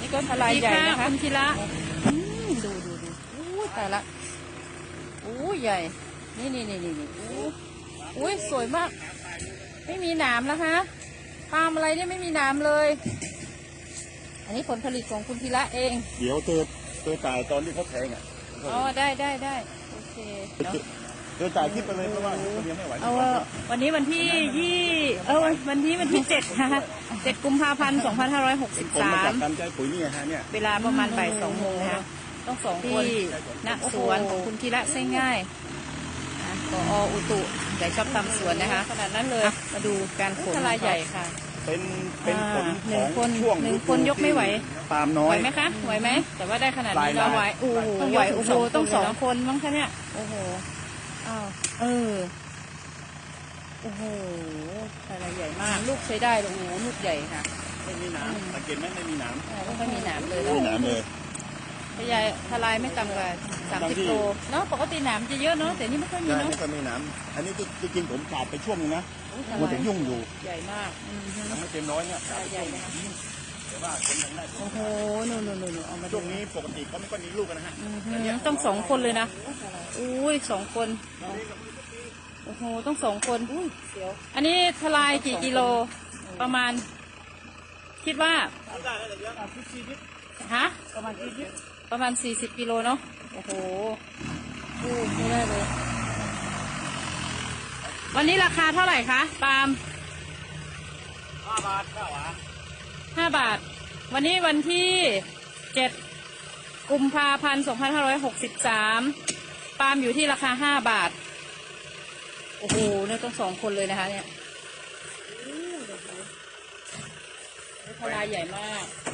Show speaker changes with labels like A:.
A: นี่ก็ทลายใหญ่นะคะ
B: คุณธีระ
A: ดูอู้ตายละอู้ใหญ่นี่อู้สวยมากไม่มีหนามแล้วฮะปาล์มอะไรเนี่ยไม่มีหนามเลยอันนี้ผลผลิตของคุณธีระเอง
C: เดี๋ยวเจอจ่ายตอนที่เขาแทงอ่ะ
A: อ๋อได้โอเค
C: เจอจ่ายที่ไปเลยเพราะว่าคนเดียวไม่ไหว
B: วันนี้วันที่วันที่7นะคะ7 กุมภาพันธ์ 2563
C: การใจปุ๋ยนี่ฮะเนี่ย
B: เวลาประมาณบ่าย 2 โมงนะคะ
A: ต้อง2 คน
B: ณสวนของคุณธีระเส้นง่ายผอ.อุตุใหญ่ชอบทำสวนนะคะ
A: ขนาดนั้นเลย
B: มาดูการขน
A: ทลายใหญ่ค่ะ
C: เป็นผลของช่วง
B: 1 คนยกไม่ไหว
C: ปาล์มน้อย
B: ไหวไหมคะไหวไหม
A: แต่ว่าได้ขนาดนี้เราไหว
B: โอ้โหไหวโอ้โหต้อง2 คนมั้งคะเนี่ย
A: โอ้โหอ้าวโอ้โหทลายใหญ่มากลูกใช้ได้โอ้โหลูกใหญ่ค่ะ
C: ไม่มีหนามสังเกตไหมไม่มีหนาม
A: ไม่มีหนามเลย
C: ไม่มีหนามเลย
A: พยายทลายไม่ต่ำกว่า30 โลเนาะปกติหนามจะเยอะเนาะแต่นี่ไม่ค่อยมีเนาะ
C: ไม่ค่อยมีหนามอันนี้จริงๆผมขาดไปช่วงนึงนะมันถึงยุ่งอยู่
A: ใหญ่มาก
C: ยังไม่เต็มร้อยเนี่ย
A: ใหญ่นะคะ
C: แต่ว่าคนทางได้
A: โอ้โหนู่นเอามา
C: ช่วงนี้ปกติเขาไม่ค่อยมีลูกกันนะฮะ
A: ต้อง2 คนเลยนะอุ้ย2 คนโอ้โหต้อง2 คนอันนี้ทลายกี่กิโลประมาณคิดว่าฮะประมาณ40 กิโลเนาะโอ้โหไม่ได้เลยวันนี้ราคาเท่าไหร่คะปาล์ม
C: 5 บาท
A: 5 บาทวันนี้วันที่7 กุมภาพันธ์ 2563ปาล์มอยู่ที่ราคา5 บาทโอ้โหเนี่ยต้อง2 คนเลยนะคะเนี่ยทลายใหญ่มาก